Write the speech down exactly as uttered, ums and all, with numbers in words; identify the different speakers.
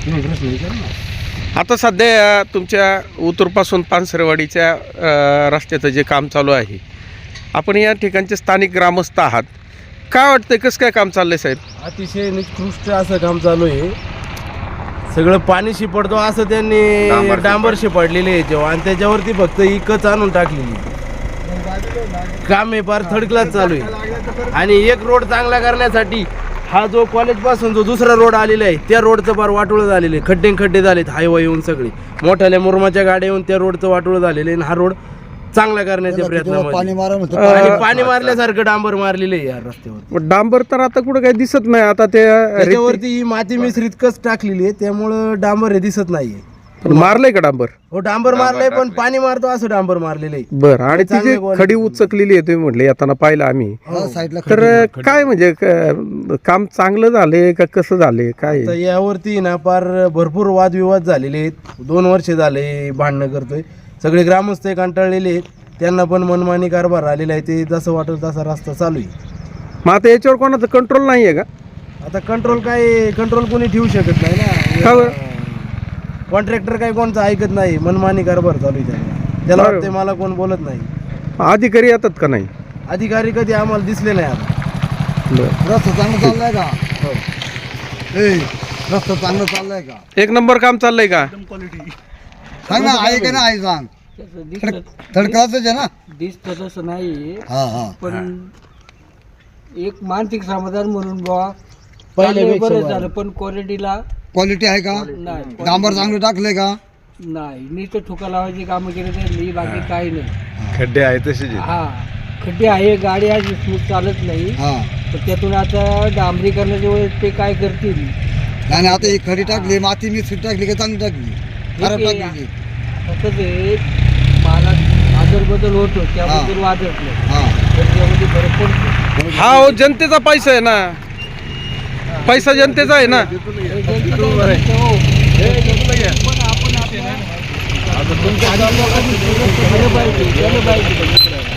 Speaker 1: आता सध्या तुमच्या उतूरपासून पानसरेवाडीच्या अ, रस्त्याचं जे काम चालू आहे, आपण या ठिकाणचे स्थानिक ग्रामस्थ आहात, काय वाटतंय कसं काय काम चाललंय साहेब?
Speaker 2: अतिशय निकृष्ट असं काम चालू आहे. सगळं पाणी शिपडतो असं त्यांनी डांबर शिपडलेले आहे जेव्हा, आणि त्याच्यावरती फक्त इकच आणून टाकलेली. काम हे फार थर्ड क्लास चालू आहे. आणि एक रोड चांगला करण्यासाठी हा जो कॉलेज पासून जो दुसरा रोड आलेला आहे त्या रोडचं फार वाटोळं झालेलं आहे. खड्डे खड्डे झालेत हायवे येऊन, सगळे मोठ्याल्या मुरमाच्या गाड्या येऊन त्या रोडचं वाटोळं झालेलं आहे. आणि हा रोड चांगला करण्याच्या प्रयत्नामध्ये आणि पाणी मारल्यासारखं डांबर मारलेलं आहे या रस्त्यावर.
Speaker 1: डांबर तर आता कुठं काही दिसत नाही. आता ते
Speaker 2: त्याच्यावरती माती मिश्रित कस टाकलेली आहे त्यामुळं डांबर हे दिसत नाहीये.
Speaker 1: मारलंय का डांबर?
Speaker 2: हो डांबर मारलंय, पण पाणी मारतो असं डांबर मारलेलं आहे.
Speaker 1: बरं. आणि ती जी खडी उचकलेली आहे तुम्ही म्हटले येताना पाहिलं आम्ही, तर काय म्हणजे क- काम चांगलं झाले का कसं झाले काय?
Speaker 2: तर यावरती ना फार भरपूर वादविवाद झालेले आहेत. दोन वर्ष झाले भांडणं करतोय. सगळे ग्रामस्थ कंटाळलेले आहेत. त्यांना पण मनमानी कारभार आलेला आहे. ते जसं वाटेल तसा रस्ता चालू आहे.
Speaker 1: मग आता याच्यावर कोणाचं कंट्रोल नाही आहे का?
Speaker 2: आता कंट्रोल काय कंट्रोल कोणी ठेवू शकत नाही
Speaker 1: का
Speaker 2: ना.
Speaker 1: बरं?
Speaker 2: कॉन्ट्रॅक्टर काही कोणतं ऐकत नाही. मनमानी कारभार चालू आहे त्याला. त्याला वाटतंय मला कोण बोलत नाही.
Speaker 1: अधिकारी येतात का नाही?
Speaker 2: अधिकारी कधी आम्हाला दिसले नाही. आता
Speaker 1: बरं.
Speaker 3: रस्ता चांगला चाललाय का? ए रस्ता चांगला चाललाय का?
Speaker 1: एक नंबर काम चाललंय का?
Speaker 3: सांग ना, आहे का नाही सांग. थर्ड क्लासच आहे ना.
Speaker 4: दिसतं तसं नाही,
Speaker 3: हा हा
Speaker 4: पण एक मानसिक समाधान म्हणून बुवा
Speaker 2: पहिल्यापेक्षा
Speaker 4: बरं
Speaker 2: बरं.
Speaker 4: झालं. पण क्वालिटीला
Speaker 3: क्वालिटी आहे का?
Speaker 4: नाही,
Speaker 3: डांबर चांगलं टाकलंय का?
Speaker 4: नाही. नुसतं ठोका लावायची कामं केली तर बाकी काही नाही.
Speaker 2: खड्डे आहे तसे
Speaker 4: हा खड्डे आहे, गाडी आहे स्मूथ चालत नाही.
Speaker 3: हा
Speaker 4: तर त्यातून आता डांबरीकरणाच्या वेळेस ते काय करतील.
Speaker 3: आणि आता ही खडी टाकली, माती मिक्स टाकली का चांगली टाकली? खराब
Speaker 4: ठीक आहे.
Speaker 3: टाकली.
Speaker 4: फक्त ते मला आदर बदल होतो त्याबद्दल वादत नाही.
Speaker 3: हा
Speaker 4: तर त्यामध्ये फरक पडतो.
Speaker 1: हा हो, जनतेचा पैसा आहे ना. पैसा जनतेचा आहे ना.
Speaker 4: हो. पण आपण आपल्या आधी लोकांनी केलं पाहिजे, केलं पाहिजे.